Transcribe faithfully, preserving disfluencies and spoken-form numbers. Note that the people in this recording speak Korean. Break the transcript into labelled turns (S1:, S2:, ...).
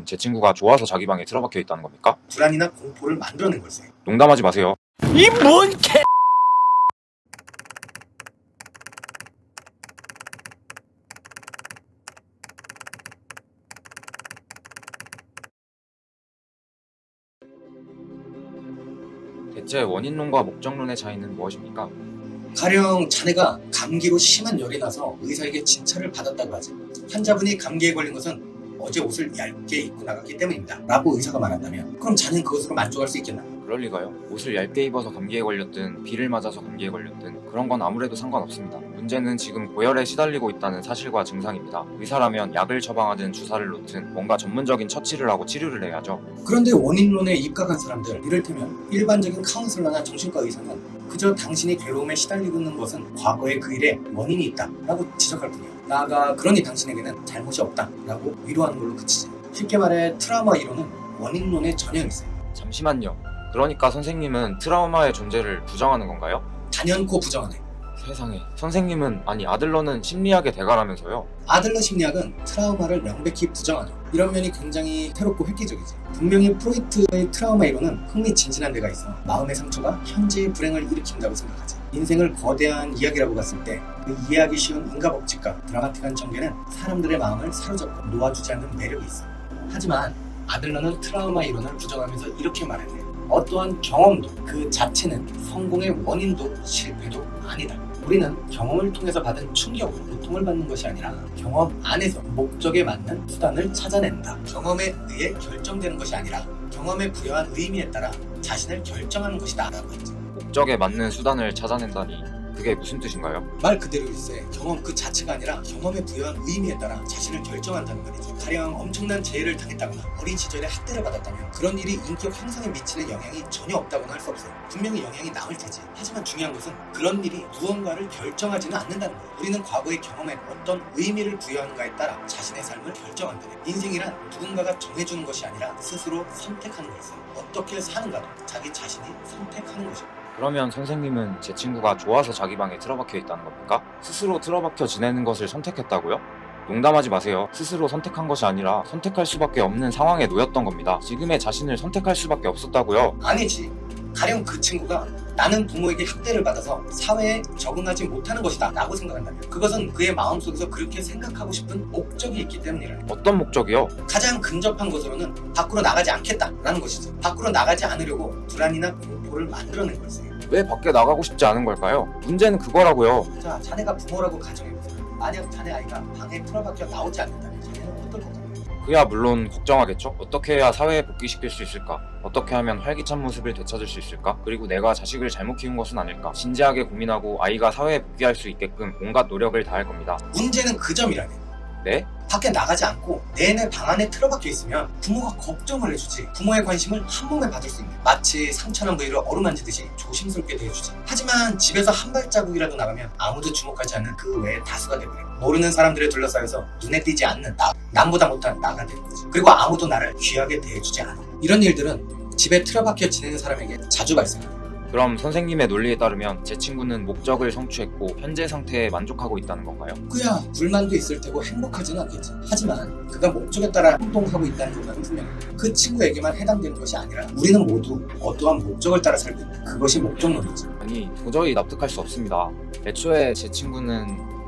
S1: 제 친구가 좋아서 자기 방에 틀어박혀 있다는 겁니까?
S2: 불안이나 공포를 만들어낸 걸세.
S1: 농담하지 마세요.
S3: 이 뭔 개...
S1: 대체 원인론과 목적론의 차이는 무엇입니까?
S2: 가령 자네가 감기로 심한 열이 나서 의사에게 진찰을 받았다고 하지. 환자분이 감기에 걸린 것은 어제 옷을 얇게 입고 나갔기 때문입니다 라고 의사가 말한다면 그럼 자네는 그것으로 만족할 수 있겠나?
S1: 그럴 리가요. 옷을 얇게 입어서 감기에 걸렸든 비를 맞아서 감기에 걸렸든 그런 건 아무래도 상관없습니다. 문제는 지금 고열에 시달리고 있다는 사실과 증상입니다. 의사라면 약을 처방하든 주사를 놓든 뭔가 전문적인 처치를 하고 치료를 해야죠.
S2: 그런데 원인론에 입각한 사람들, 이를테면 일반적인 카운슬러나 정신과 의사는 그저 당신이 괴로움에 시달리고 있는 것은 과거의 그 일에 원인이 있다 라고 지적할 뿐이야. 나아가 그러니 당신에게는 잘못이 없다 라고 위로하는 걸로 그치지. 쉽게 말해 트라우마 이론은 원인론의 전형이세요.
S1: 잠시만요. 그러니까 선생님은 트라우마의 존재를 부정하는 건가요?
S2: 단연코 부정하네.
S1: 세상에. 선생님은, 아니 아들러는 심리학의 대가라면서요?
S2: 아들러 심리학은 트라우마를 명백히 부정하죠. 이런 면이 굉장히 새롭고 획기적이지. 분명히 프로이트의 트라우마 이론은 흥미진진한 데가 있어. 마음의 상처가 현재의 불행을 일으킨다고 생각하지. 인생을 거대한 이야기라고 봤을 때 그 이해하기 쉬운 인과법칙과 드라마틱한 전개는 사람들의 마음을 사로잡고 놓아주지 않는 매력이 있어. 하지만 아들러는 트라우마 이론을 부정하면서 이렇게 말했네. 어떠한 경험도 그 자체는 성공의 원인도 실패도 아니다. 우리는 경험을 통해서 받은 충격으로 고통을 받는 것이 아니라 경험 안에서 목적에 맞는 수단을 찾아낸다. 경험에 의해 결정되는 것이 아니라 경험에 부여한 의미에 따라 자신을 결정하는 것이다 라고 했지.
S1: 목적에 맞는 수단을 찾아낸다니 그게 무슨 뜻인가요?
S2: 말 그대로일세. 경험 그 자체가 아니라 경험에 부여한 의미에 따라 자신을 결정한다는 말이지. 가령 엄청난 재해를 당했다거나 어린 시절에 학대를 받았다면 그런 일이 인격 형성에 미치는 영향이 전혀 없다고는 할 수 없어요. 분명히 영향이 남을 테지. 하지만 중요한 것은 그런 일이 무언가를 결정하지는 않는다는 거예요. 우리는 과거의 경험에 어떤 의미를 부여하는가에 따라 자신의 삶을 결정한다. 인생이란 누군가가 정해주는 것이 아니라 스스로 선택하는 것이어요. 어떻게 사는가도 자기 자신이 선택하는 것이에요.
S1: 그러면 선생님은 제 친구가 좋아서 자기 방에 틀어박혀 있다는 겁니까? 스스로 틀어박혀 지내는 것을 선택했다고요? 농담하지 마세요. 스스로 선택한 것이 아니라 선택할 수밖에 없는 상황에 놓였던 겁니다. 지금의 자신을 선택할 수밖에 없었다고요?
S2: 아니지. 가령 그 친구가 나는 부모에게 학대를 받아서 사회에 적응하지 못하는 것이다 라고 생각한다면 그것은 그의 마음속에서 그렇게 생각하고 싶은 목적이 있기 때문이라.
S1: 어떤 목적이요?
S2: 가장 근접한 것으로는 밖으로 나가지 않겠다라는 것이지. 밖으로 나가지 않으려고 불안이나 공포를 만들어낸 걸세.
S1: 왜 밖에 나가고 싶지 않은 걸까요? 문제는 그거라고요.
S2: 자, 자네가 부모라고 가정해보세요. 만약 자네 아이가 방에 틀어박혀 나오지 않는다면 자네는 어떨 것 같아요?
S1: 그야 물론 걱정하겠죠? 어떻게 해야 사회에 복귀시킬 수 있을까? 어떻게 하면 활기찬 모습을 되찾을 수 있을까? 그리고 내가 자식을 잘못 키운 것은 아닐까? 진지하게 고민하고 아이가 사회에 복귀할 수 있게끔 온갖 노력을 다할 겁니다.
S2: 문제는 그 점이라네.
S1: 네?
S2: 밖에 나가지 않고 내내 방 안에 틀어박혀 있으면 부모가 걱정을 해주지. 부모의 관심을 한 몸에 받을 수 있는, 마치 상처난 부위를 어루만지듯이 조심스럽게 대해주지. 하지만 집에서 한 발자국이라도 나가면 아무도 주목하지 않는 그 외에 다수가 되버려. 모르는 사람들에 둘러싸여서 눈에 띄지 않는 나, 남보다 못한 나가 되는 거지. 그리고 아무도 나를 귀하게 대해주지 않아. 이런 일들은 집에 틀어박혀 지내는 사람에게 자주 발생해.
S1: 그럼 선생님의 논리에 따르면 제 친구는 목적을 성취했고 현재 상태에 만족하고 있다는 건가요?
S2: 그야 불만도 있을 테고 행복하지는 않겠지. 하지만 그가 목적에 따라 행동하고 있다는 것은 분명해. 그 친구에게만 해당되는 것이 아니라 우리는 모두 어떠한 목적을 따라 살고 있다. 그것이 목적론이지.
S1: 아니 도저히 납득할 수 없습니다. 애초에 제 친구는